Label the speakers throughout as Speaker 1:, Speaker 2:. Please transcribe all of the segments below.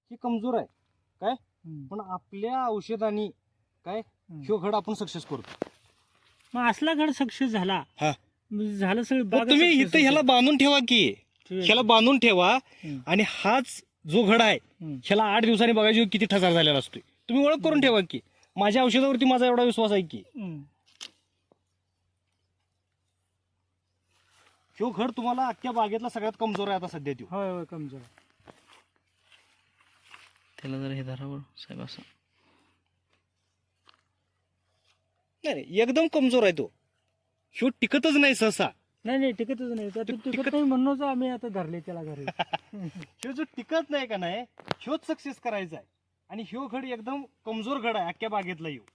Speaker 1: ही कमजोर आहे काय, पण आपल्या औषधांनी काय ह्यो घड आपण सक्सेस करतो.
Speaker 2: मग असला घड सक्सेस झाला,
Speaker 1: हा.
Speaker 2: झालं सगळं
Speaker 1: मग
Speaker 2: बागा
Speaker 1: तुम्ही
Speaker 2: success
Speaker 1: इथं ह्याला
Speaker 2: होते.
Speaker 1: बांधून ठेवा की, ह्याला बांधून ठेवा
Speaker 2: हम्म.
Speaker 1: आणि हाच जो घड आहे ह्याला 8 दिवसांनी बघायची किती ठसार झालेला असतोय. तुम्ही ओळख करून ठेवा की माझ्या औषधावरती माझा एवढा विश्वास आहे की
Speaker 2: हम्म.
Speaker 1: ह्यो घड तुम्हाला अख्ख्या बागेतला सगळ्यात कमजोर आहे आता सध्या तो.
Speaker 2: होय होय कमजोर.
Speaker 3: त्याला जर हे धरावं साहेब असं.
Speaker 1: नाही एकदम कमजोर आहे तो. ह्यो टिकतच नाही सहसा.
Speaker 2: नाही नाही टिकतच नाही, तर टिकत नाही म्हणूनच आम्ही आता धरले त्याला घरी.
Speaker 1: ह्यो जो टिकत नाही का नाही ह्योच सक्सेस करायचा आहे. आणि ह्यो घड एकदम कमजोर घड आहे अख्ख्या बागेतला ह्यो.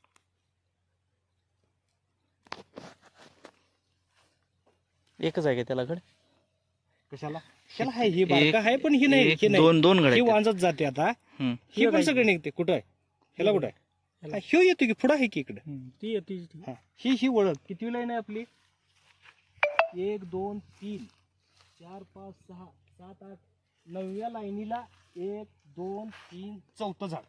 Speaker 3: एकच आहे का त्याला घड?
Speaker 1: कशाला ह्याला आहे हे बारका आहे पण ही नाही, हे नाही.
Speaker 3: दोन घड
Speaker 1: ही
Speaker 3: आहेत.
Speaker 1: वांजत जाते आता.
Speaker 3: हम्म.
Speaker 1: ही पण सगळे निघते. कुठं आहे ह्याला, कुठं आहे हा, ह्यो येतो की पुढं आहे की इकडे.
Speaker 2: ती येते.
Speaker 1: हा, ही ओळख किती लाईन आहे आपली? 1 2 3 4 5 6 7 8 9व्या लाईनीला 1 2 3 चौथं झाड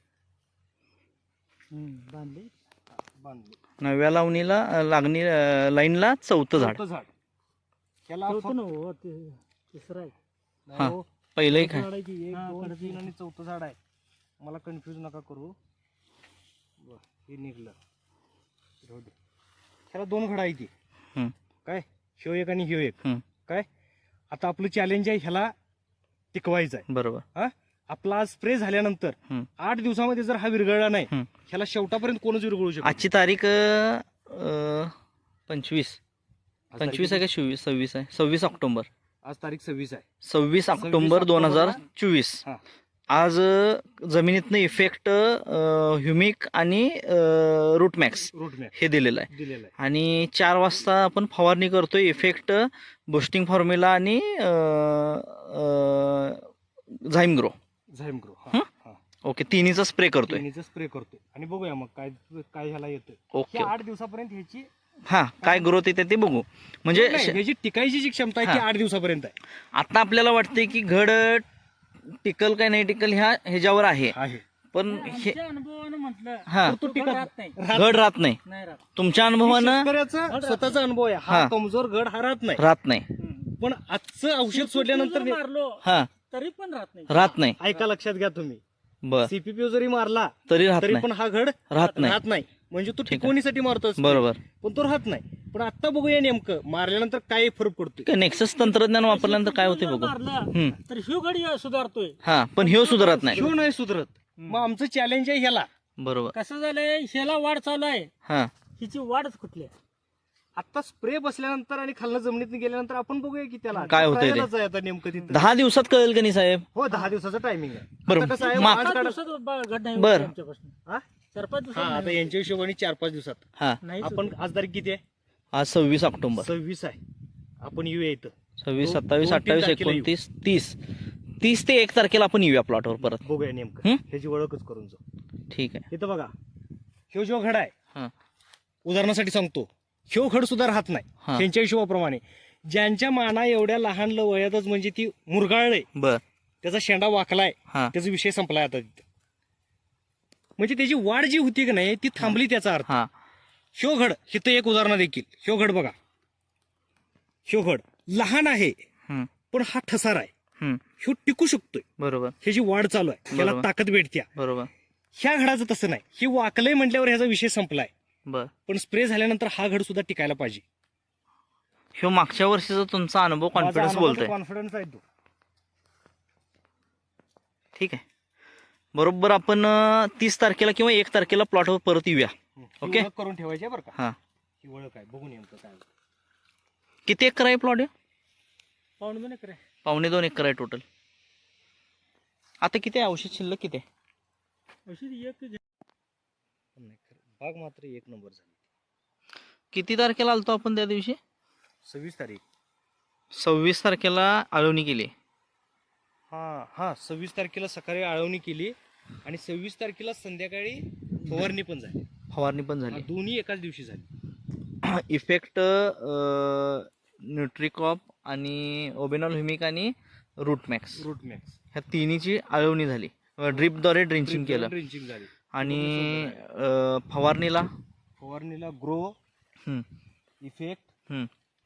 Speaker 2: बांधले.
Speaker 1: बांधले.
Speaker 3: 9व्या लावणीला लागणी लाईनला 4थं झाड.
Speaker 1: चौथं झाड ह्याला
Speaker 2: चौथं नव्ह, तिसरं आहे.
Speaker 3: हा. पहिलं एक आहे.
Speaker 1: झाड आहे की 1
Speaker 2: हा,
Speaker 1: 2
Speaker 2: कडे
Speaker 1: 3 आणि चौथं झाड आहे. मला कन्फ्यूज नका करू. बरं, हे निघलं. राहू दे. ह्याला 2 घड आहे ती
Speaker 3: हम्म.
Speaker 1: काय, ह्यो एक आणि ह्यो एक.
Speaker 3: हम्म.
Speaker 1: काय आता आपलं चॅलेंज आहे ह्याला टिकवायचं आहे.
Speaker 3: बरोबर.
Speaker 1: हा, आपला स्प्रे झाल्यानंतर
Speaker 3: हम्म.
Speaker 1: 8 दिवसामध्ये जर हा विरघळला नाही
Speaker 3: हम्म.
Speaker 1: ह्याला शेवटापर्यंत कोणच विरघळू शकत
Speaker 3: आजची तारीख 25 आहे का 26 आहे? 26 ऑक्टोबर.
Speaker 1: आज तारीख 26 आहे.
Speaker 3: 26 ऑक्टोबर 2024.
Speaker 1: हा.
Speaker 3: आज जमिनीतनं इफेक्ट ह्युमिक आणि रूटमॅक्स
Speaker 1: रूटमॅप
Speaker 3: हे दिलेलं आहे.
Speaker 1: दिलेला आहे.
Speaker 3: आणि 4 वाजता आपण फवारणी करतोय. इफेक्ट बुस्टिंग फॉर्म्युला आणि झाईम ग्रो.
Speaker 1: Zyme grow.
Speaker 3: हं? ओके, तिन्हीचा स्प्रे करतोय.
Speaker 1: तिन्हीचा स्प्रे करतोय आणि बघूया मग काय काय ह्याला येतं.
Speaker 3: ओके.
Speaker 1: 8 दिवसापर्यंत ह्याची
Speaker 3: हा, काय ग्रोथ येते ते बघू. म्हणजे
Speaker 1: नाही, ह्याची टिकायची जी क्षमता आहे ती 8 दिवसापर्यंत आहे.
Speaker 3: आता आपल्याला वाटते की घड टिकल काय नाही टिकल ह्याच्यावर आहे, पण हे
Speaker 2: आमच्या अनुभवानं म्हटलं
Speaker 3: हा,
Speaker 1: तो टिकत
Speaker 2: राहत नाही.
Speaker 3: घड राहत नाही.
Speaker 2: नाही राहत.
Speaker 3: तुमच्या अनुभवानं
Speaker 1: शेतकऱ्याचा स्वतःचा अनुभव आहे. हा
Speaker 3: हा.
Speaker 1: कमजोर घड हा राहत नाही.
Speaker 3: राहत नाही.
Speaker 1: पण आजचं औषध सोडल्यानंतर
Speaker 2: जर मारलो
Speaker 3: हा,
Speaker 2: तरी पण राहत नाही.
Speaker 3: राहत नाही.
Speaker 1: ऐका लक्षात घ्या तुम्ही,
Speaker 3: बर,
Speaker 1: सीपीपी जरी मारला
Speaker 3: तरी राहत
Speaker 1: तरी
Speaker 3: नाही.
Speaker 1: पण हा घड
Speaker 3: राहत नाही.
Speaker 1: राहत नाही. म्हणजे तो
Speaker 3: ठीक आहे.
Speaker 1: टिकवणीसाठी मारतो
Speaker 3: बरोबर.
Speaker 1: पण तो राहत नाही. पण आता बघूया नेमकं मारल्यानंतर काय फरक पडतोय.
Speaker 3: नेक्सस तंत्रज्ञान वापरल्यानंतर काय होते बघू.
Speaker 2: मारलं
Speaker 3: हम्म.
Speaker 2: तर ह्यो घडी सुधारतोय.
Speaker 3: हा, पण ह्यो सुधारत नाही.
Speaker 1: ह्यो नाही सुधरत. मग आमचं चॅलेंज आहे ह्याला.
Speaker 3: बरोबर.
Speaker 2: कसं झालंय, ह्याला वाढ चालू आहे,
Speaker 3: हा,
Speaker 2: हिची वाढच कुठली आहे.
Speaker 1: आता स्प्रे बसल्यानंतर आणि खालनं जमिनीत गेल्यानंतर आपण बघूया की त्याला
Speaker 3: काय होतंय ते.
Speaker 1: trial च आहे आता नेमकं तिथं.
Speaker 3: 10 दिवसात कळेल का नाही साहेब?
Speaker 1: हो 10 दिवसाचं टायमिंग आहे.
Speaker 3: बरं,
Speaker 1: आता कसं आहे,
Speaker 3: मा-
Speaker 1: आज
Speaker 2: 5
Speaker 1: काढ-
Speaker 2: दिवसात घड नाही
Speaker 3: बरं.
Speaker 2: होत आमच्यापासून.
Speaker 1: हा?
Speaker 2: 4-5
Speaker 1: हा,
Speaker 2: दिवसात
Speaker 1: आता
Speaker 2: नाही
Speaker 1: यांच्या हिशोबाने 4-5 दिवसात.
Speaker 3: हा,
Speaker 2: होत. नाहीच
Speaker 1: आपण
Speaker 2: होत.
Speaker 1: आज तारीख किती आहे?
Speaker 3: आज 26 ऑक्टोबर.
Speaker 1: 26 आहे. आपण येऊया इथं
Speaker 3: 26,
Speaker 1: दोन-
Speaker 3: 27,
Speaker 1: 2-3
Speaker 3: 28,
Speaker 1: तारखेला येऊ.
Speaker 3: 29, 30 ते 1 तारखेला आपण येऊया प्लॉटवर परत.
Speaker 1: बघूया नेमकं
Speaker 3: हं?
Speaker 1: ह्याची ओळखच करून जाऊ.
Speaker 3: ठीक आहे.
Speaker 1: इथं बघा, ह्यो जो घड आहे
Speaker 3: हा,
Speaker 1: उदाहरणासाठी सांगतो, ह्यो घड सुद्धा राहत नाही.
Speaker 3: हा.
Speaker 1: त्यांच्या हिशोबाप्रमाणे ज्यांच्या माना एवढ्या लहान वयातच म्हणजे ती मुरगाळले,
Speaker 3: बर.
Speaker 1: त्याचा शेंडा वाकलाय,
Speaker 3: हा,
Speaker 1: त्याचा विषय संपलाय आता तिथं. म्हणजे त्याची वाढ जी होती की नाही ती थांबली, त्याचा अर्थ.
Speaker 3: हा,
Speaker 1: ह्यो घड हिथं एक उदाहरण देखील. ह्यो घड बघा, ह्यो घड लहान आहे
Speaker 3: हम्म,
Speaker 1: पण हा ठसार आहे.
Speaker 3: हम्म,
Speaker 1: ह्यो टिकू शकतोय,
Speaker 3: बरोबर,
Speaker 1: ह्याची वाढ चालू आहे, त्याला
Speaker 3: बरोबर.
Speaker 1: ताकद भेटत्या.
Speaker 3: बरोबर.
Speaker 1: ह्या घडाचं तसं नाही. ही वाकलंय म्हटल्यावर ह्याचा विषय संपलाय.
Speaker 3: बर.
Speaker 1: पण स्प्रे झाल्यानंतर हा घड सुद्धा टिकायला पाहिजे.
Speaker 3: ह्यो मागच्या वर्षीचा तुमचा अनुभव कॉन्फिडन्स बोलतोय.
Speaker 1: कॉन्फिडन्स आहे तो.
Speaker 3: ठीक आहे. बरोबर. आपण 30 तारखेला किंवा 1 तारखेला प्लॉटवर परत येऊया.
Speaker 1: ही
Speaker 3: ओके.
Speaker 1: ओळख करून ठेवायची आहे बरं का.
Speaker 3: हा,
Speaker 1: ही ओळख आहे, बघून नेमकं काय.
Speaker 3: किती एकर आहे प्लॉट?
Speaker 2: पाऊण दोन एकर आहे.
Speaker 3: 1.25 एकर आहे टोटल. आता किती आहे औषध शिल्लक किती आहे?
Speaker 2: औषध एक
Speaker 1: नाही खरं, बाग मात्र एक नंबर झाली.
Speaker 3: किती तारखेला आलतो आपण त्या दिवशी?
Speaker 1: 26 तारीख.
Speaker 3: 26 तारखेला आळवणी केली.
Speaker 1: हा 26 तारखेला सकाळी आळवणी केली आणि 26 तारखेला संध्याकाळी फवारणी पण झाली.
Speaker 3: फवारणी पण
Speaker 1: हा,
Speaker 3: झाली.
Speaker 1: दोन्ही एकाच दिवशी झाली.
Speaker 3: इफेक्ट न्यूट्रिकॉप आणि ओबेनॉल ह्युमिक आणि रूटमॅक्स
Speaker 1: रूट मॅक्स.
Speaker 3: ह्या तिन्हीची आळवणी झाली. ड्रिपद्वारे ड्रिंचिंग केलं
Speaker 1: ड्रिंचिंग झाली.
Speaker 3: आणि फवारणीला
Speaker 1: फवारणीला ग्रो,
Speaker 3: हम्म,
Speaker 1: इफेक्ट
Speaker 3: हम्म.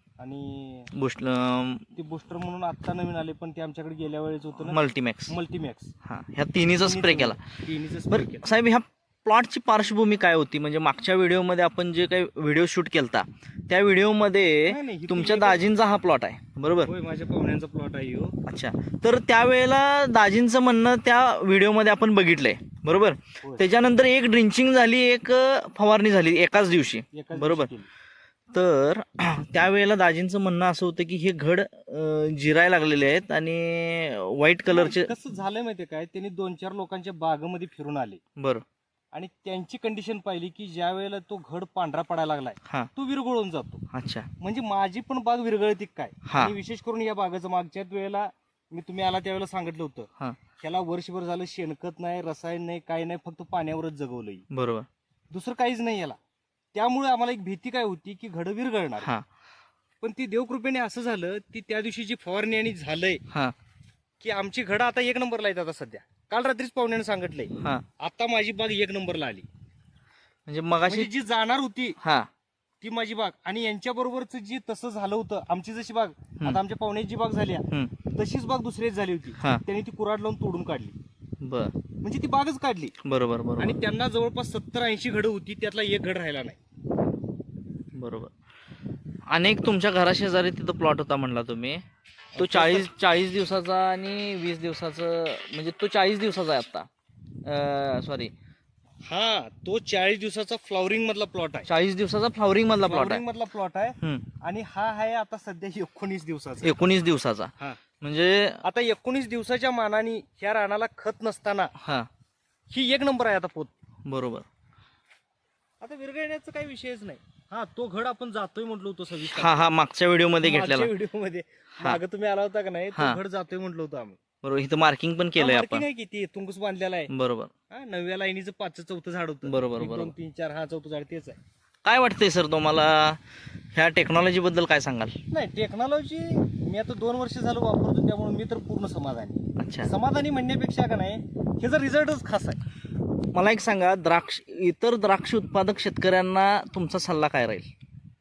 Speaker 1: आणि
Speaker 3: बुस्ट
Speaker 1: ते बुस्टर म्हणून आता नवीन आले, पण ते आमच्याकडे गेल्या वेळेस होतं ना,
Speaker 3: मल्टीमॅक्स,
Speaker 1: मल्टीमॅक्स.
Speaker 3: हा, ह्या तिन्हीचा स्प्रे केला.
Speaker 1: तिन्हीचा स्प्रे
Speaker 3: बरं
Speaker 1: केला.
Speaker 3: साहेब, ह्या प्लॉटची पार्श्वभूमी काय होती? म्हणजे मागच्या व्हिडिओमध्ये आपण जे काही व्हिडिओ शूट केलता त्या व्हिडिओमध्ये
Speaker 1: नाही, इथं
Speaker 3: तुमच्या
Speaker 1: एक-
Speaker 3: दाजींचा हा प्लॉट आहे, बरोबर?
Speaker 1: होय, माझ्या पाहुण्यांचा प्लॉट आहे ह्यो.
Speaker 3: अच्छा, तर त्यावेळेला दाजींचं म्हणणं त्या व्हिडिओमध्ये आपण बघितलंय, बरोबर?
Speaker 1: होय.
Speaker 3: त्याच्यानंतर एक ड्रिंचिंग झाली, एक फवारणी झाली एकाच दिवशी,
Speaker 1: एकाच
Speaker 3: बरोबर?
Speaker 1: दिवशी केली.
Speaker 3: तर त्यावेळेला दाजींचं म्हणणं असं होतं की हे घड जिरायला लागलेले आहेत आणि व्हाईट कलरचे.
Speaker 1: कसं झालंय माहितीये काय, त्यांनी 2-4 लोकांच्या बागेमध्ये फिरून आले
Speaker 3: बरं,
Speaker 1: आणि त्यांची कंडिशन पाहिली की ज्या वेळेला तो घड पांढरा पडायला लागलाय,
Speaker 3: हा,
Speaker 1: तो विरघळून जातो.
Speaker 3: अच्छा,
Speaker 1: म्हणजे माझी पण बाग विरघळती काय.
Speaker 3: हा.
Speaker 1: आणि विशेष करून या बागेचं मागच्याच वेळेला मी तुम्ही आला त्यावेळेला सांगितलं होतं,
Speaker 3: हा,
Speaker 1: त्याला वर्षभर झालं शेणखत नाही, रसायन नाही, काही नाही, फक्त पाण्यावरच जगवलंय,
Speaker 3: बरोबर,
Speaker 1: दुसरं काहीच नाही याला. त्यामुळे आम्हाला एक भीती काय होती की घड विरघळणार.
Speaker 3: हा,
Speaker 1: पण ती देवकृपेने असं झालं, ती त्या दिवशी जी फवारणी आणि झालंय
Speaker 3: हा,
Speaker 1: की आमची घडं आता 1 नंबरला आहेत. आता सध्या काल रात्रीच पाहुण्याने सांगितलंय,
Speaker 3: हा.
Speaker 1: आता माझी बाग 1 नंबरला आली.
Speaker 3: म्हणजे मगाशी,
Speaker 1: म्हणजे जी जाणार होती
Speaker 3: हा,
Speaker 1: ती माझी बाग, आणि यांच्या बरोबरच जी तसं झालं होतं, आमची जशी बाग आता आमच्या पाहुण्याची जी बाग झाली
Speaker 3: हम्म,
Speaker 1: तशीच बाग दुसरीच झाली होती.
Speaker 3: हा,
Speaker 1: त्यांनी ती कुऱ्हाड लावून तोडून काढली,
Speaker 3: बर,
Speaker 1: म्हणजे ती बागच काढली.
Speaker 3: बरोबर, बरोबर,
Speaker 1: आणि त्यांना जवळपास 70-80 घडं होती, त्यातला एक घड राहिला नाही.
Speaker 3: बरोबर. अनेक तुमच्या घराशेजारी तिथं प्लॉट होता म्हणला तुम्ही, तो 40 दिवसाचा आणि 20 दिवसाचं, म्हणजे तो 40 दिवसाचा आहे आता, सॉरी,
Speaker 1: हा, तो 40 दिवसाचा फ्लॉवरिंग मधला प्लॉट आहे.
Speaker 3: 40 दिवसाचा फ्लॉवरिंग मधला प्लॉट
Speaker 1: फ्लॉवरिंग
Speaker 3: आहे.
Speaker 1: मधला प्लॉट आहे.
Speaker 3: हम्म,
Speaker 1: आणि हा आहे आता सध्या 19 दिवसाचा.
Speaker 3: 19 दिवसाचा.
Speaker 1: हा,
Speaker 3: म्हणजे
Speaker 1: आता 19 दिवसाच्या मानाने ह्या रानाला खत नसताना
Speaker 3: हा,
Speaker 1: ही 1 नंबर आहे आता पोत.
Speaker 3: बरोबर,
Speaker 1: आता विरघळण्याचा काही विषयच नाही. हा, तो घड आपण जातोय म्हटलं होतं 26
Speaker 3: हा, हा, मागच्या व्हिडिओमध्ये घेतलेला,
Speaker 1: व्हिडिओ मध्ये मागे तुम्ही आला होता का नाही,
Speaker 3: हा.
Speaker 1: तो घड जातोय म्हटलं होतं आम्ही.
Speaker 3: बरोबर. इथं मार्किंग पण केलंय आपण,
Speaker 1: नाही किती तुंगस बांधलेला आहे.
Speaker 3: बरोबर,
Speaker 1: हा, 9व्या लाईनीचं 5चं 4थं झाड होतं.
Speaker 3: बरोबर,
Speaker 1: 1, 2,
Speaker 3: बरोबर.
Speaker 1: 3, 4, हा 4थं झाड तेच आहे.
Speaker 3: काय वाटतंय सर तुम्हाला ह्या टेक्नॉलॉजी बद्दल काय सांगाल?
Speaker 1: नाही, टेक्नॉलॉजी मी आता 2 वर्ष झालं वापरतो, त्यामुळे मी तर पूर्ण समाधानी.
Speaker 3: अच्छा,
Speaker 1: समाधानी म्हणण्यापेक्षा का नाही, ह्याचा रिझल्टच खास आहे.
Speaker 3: मला एक सांगा, इतर द्राक्ष उत्पादक शेतकऱ्यांना तुमचा सल्ला काय राहील?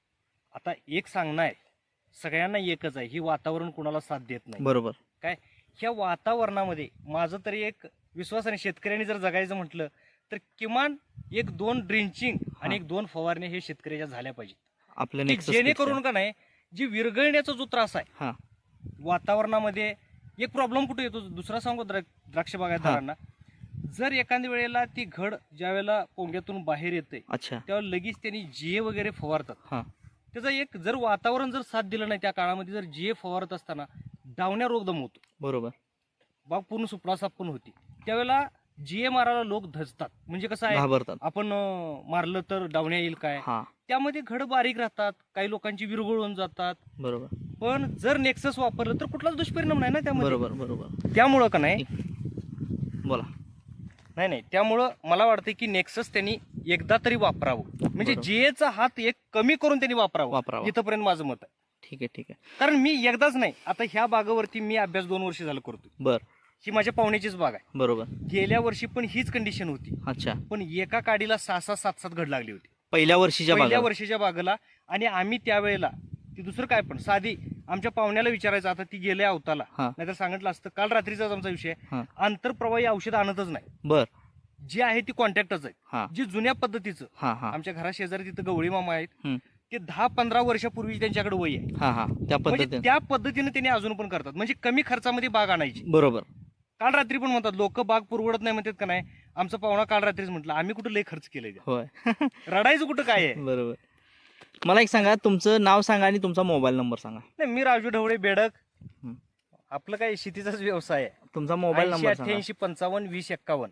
Speaker 1: आता एक सांगणं आहे, सगळ्यांना एकच आहे, ही वातावरण कुणाला साथ देत नाही.
Speaker 3: बरोबर,
Speaker 1: काय ह्या वातावरणामध्ये माझं तरी एक विश्वास आहे, शेतकऱ्यांनी जर जगायचं म्हटलं तर किमान 1-2 ड्रिंचिंग आणि 1-2 फवारण्या हे शेतकऱ्याच्या झाल्या पाहिजेत,
Speaker 3: आपल्या
Speaker 1: की
Speaker 3: Nexus
Speaker 1: जेणेकरून
Speaker 3: पेक्षा.
Speaker 1: का नाही, जी विरघळण्याचा जो त्रास आहे
Speaker 3: हा,
Speaker 1: वातावरणामध्ये, एक प्रॉब्लेम कुठे येतो दुसरा सांगू द्राक्ष बागायतदारांना, जर एखाद्या वेळेला ती घड ज्या वेळेला पोंग्यातून बाहेर येते
Speaker 3: अच्छा,
Speaker 1: तेव्हा लगेच त्यांनी जीए वगैरे फवारतात.
Speaker 3: हा,
Speaker 1: त्याचा एक जर वातावरण जर साथ दिलं नाही त्या काळामध्ये, जर जीए फवारत असताना डावण्या रोग दम होतो,
Speaker 3: बरोबर,
Speaker 1: बाग पूर्ण सुपडासाप पण होती. त्यावेळेला जीए मारायला लोक धजतात, म्हणजे कसं आहे,
Speaker 3: घाबरतात,
Speaker 1: आपण मारलं तर डावण्या येईल काय,
Speaker 3: हा,
Speaker 1: त्यामध्ये घड बारीक राहतात, काही लोकांची विरघळून जातात.
Speaker 3: बरोबर,
Speaker 1: पण जर नेक्सस वापरलं तर कुठलाच दुष्परिणाम नाही ना त्यामध्ये.
Speaker 3: बरोबर, बरोबर,
Speaker 1: त्यामुळं का नाही,
Speaker 3: बोला.
Speaker 1: नाही, त्यामुळं मला वाटतं की नेक्सस त्यांनी एकदा तरी वापरावं, म्हणजे
Speaker 3: बरोबर.
Speaker 1: जीएचा हात एक कमी करून त्यांनी वापरावं. इथपर्यंत माझं मत आहे.
Speaker 3: ठीक आहे, ठीक आहे,
Speaker 1: कारण मी एकदाच नाही, आता ह्या बागावरती मी अभ्यास 2 वर्ष झालं करतोय.
Speaker 3: बर,
Speaker 1: ही माझ्या पाहुण्याचीच बाग आहे.
Speaker 3: बरोबर,
Speaker 1: गेल्या वर्षी पण हीच कंडिशन होती,
Speaker 3: अच्छा,
Speaker 1: पण एका काडीला 6-6, 7-7 घड लागली होती
Speaker 3: पहिल्या वर्षीच्या
Speaker 1: पहिल्या
Speaker 3: बागाला.
Speaker 1: वर्षीच्या बागेला. आणि आम्ही त्यावेळेला ती दुसरं काय पण साधी आमच्या पाहुण्याला विचारायचं, आता ती गेल्या अवताला,
Speaker 3: हा,
Speaker 1: नाहीतर सांगितलं असतं. काल रात्रीचाच आमचा विषय आहे,
Speaker 3: हा,
Speaker 1: आंतरप्रवाही औषध आणतच नाही,
Speaker 3: बर,
Speaker 1: जी आहे ती कॉन्टॅक्टच आहे,
Speaker 3: हा,
Speaker 1: जी जुन्या पद्धतीचं.
Speaker 3: हा, हा,
Speaker 1: आमच्या घरा शेजारी तिथं गवळी मामा आहेत,
Speaker 3: हम्म,
Speaker 1: ते 10-15 वर्षापूर्वी त्यांच्याकडे वय आहे,
Speaker 3: हा, हा, त्या
Speaker 1: म्हणजे
Speaker 3: पद्धतीने,
Speaker 1: त्या पद्धतीने त्यांनी अजून पण करतात, म्हणजे कमी खर्चामध्ये बाग आणायची.
Speaker 3: बरोबर,
Speaker 1: काल रात्री पण म्हणतात लोक, बाग पुरवडत नाही म्हणतात का नाही. आमचा पाहुणा काल रात्रीच म्हटलं, आम्ही कुठं लय खर्च केलाय,
Speaker 3: होय,
Speaker 1: रडायचं कुठं काय आहे.
Speaker 3: बरोबर. मला एक सांगा, तुमचं नाव सांगा आणि तुमचा मोबाईल नंबर सांगा.
Speaker 1: नाही, मी राजू ढवळे बेडक.
Speaker 3: हं.
Speaker 1: आपलं काय शेतीचाच व्यवसाय आहे.
Speaker 3: तुमचा मोबाईल नंबर सांगा.
Speaker 1: 88-55-20-51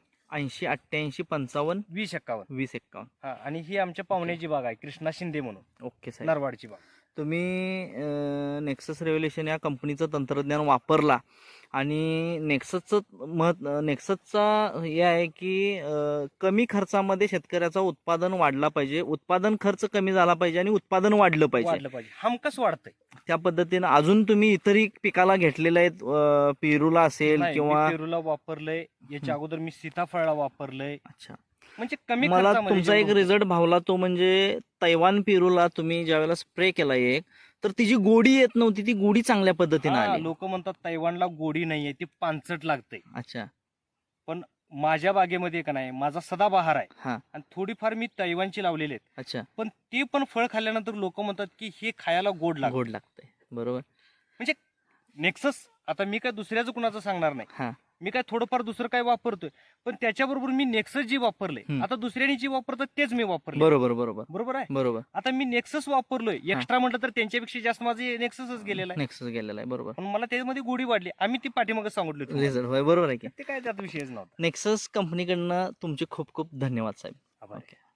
Speaker 3: 80-88-55-20-51.
Speaker 1: 20-51. हा, आणि ही आमच्या पाहुण्याची बाग आहे, कृष्णा शिंदे म्हणून,
Speaker 3: ओके साहेब,
Speaker 1: नरवाडची बाग.
Speaker 3: तुम्ही नेक्सस रेव्होल्युशन या कंपनीचं तंत्रज्ञान वापरला आणि नेक्ससचा हे आहे की कमी खर्चामध्ये शेतकऱ्याचं उत्पादन वाढला पाहिजे, उत्पादन खर्च कमी झाला पाहिजे आणि उत्पादन वाढलं पाहिजे.
Speaker 1: हमकस वाढतंय.
Speaker 3: त्या पद्धतीनं अजून तुम्ही इतरही पिकाला घेतलेलं आहेत, पेरूला असेल
Speaker 1: नाही,
Speaker 3: किंवा
Speaker 1: मी पेरूला वापरलंय, याच्या अगोदर मी सीताफळला वापरलंय.
Speaker 3: अच्छा.
Speaker 1: म्हणजे कमी
Speaker 3: मला
Speaker 1: खर्चामध्ये
Speaker 3: तुमचा एक
Speaker 1: जेवढं
Speaker 3: रिझल्ट भावला तो म्हणजे तैवान पेरूला तुम्ही ज्यावेळेला स्प्रे केला एक, तर तिची गोडी येत नव्हती, ती गोडी चांगल्या पद्धतीने आली.
Speaker 1: लोक म्हणतात तैवानला गोडी नाहीये, ती पानसट लागते.
Speaker 3: अच्छा.
Speaker 1: माझ्या बागेमध्ये का नाही, माझा सदाबहार आहे
Speaker 3: हा.
Speaker 1: आणि थोडीफार मी तैवानची लावलेली आहेत.
Speaker 3: अच्छा.
Speaker 1: पण ते पण फळ खाल्ल्यानंतर लोक म्हणतात की हे खायला गोड लागतं.
Speaker 3: गोड लागतंय. बरोबर.
Speaker 1: म्हणजे नेक्सस, आता मी काय दुसऱ्याचं कुणाचं सांगणार नाही,
Speaker 3: हा.
Speaker 1: मी काय थोडंफार दुसरं काय वापरतोय, पण त्याच्याबरोबर मी नेक्सस जी वापरले, आता दुसऱ्यानी जी वापरतात तेच मी वापरले.
Speaker 3: बरोबर बरोबर
Speaker 1: बरोबर आहे.
Speaker 3: बरोबर.
Speaker 1: आता मी नेक्सस वापरलोय, एक्स्ट्रा म्हटलं तर त्यांच्यापेक्षा जास्त माझे नेक्ससच गेलेला आहे.
Speaker 3: नेक्सस गेलेला आहे. बरोबर.
Speaker 1: पण मला त्याच्यामध्ये गोडी वाढली, आम्ही ती पाठीमागे सांगितलं तुम्हाला.
Speaker 3: रिझल्ट होय, बरोबर आहे की.
Speaker 1: ते काय त्यात विषयच नव्हता.
Speaker 3: नेक्सस कंपनीकडनं तुमचे खूप खूप धन्यवाद साहेब.
Speaker 1: आभार.
Speaker 3: ओके.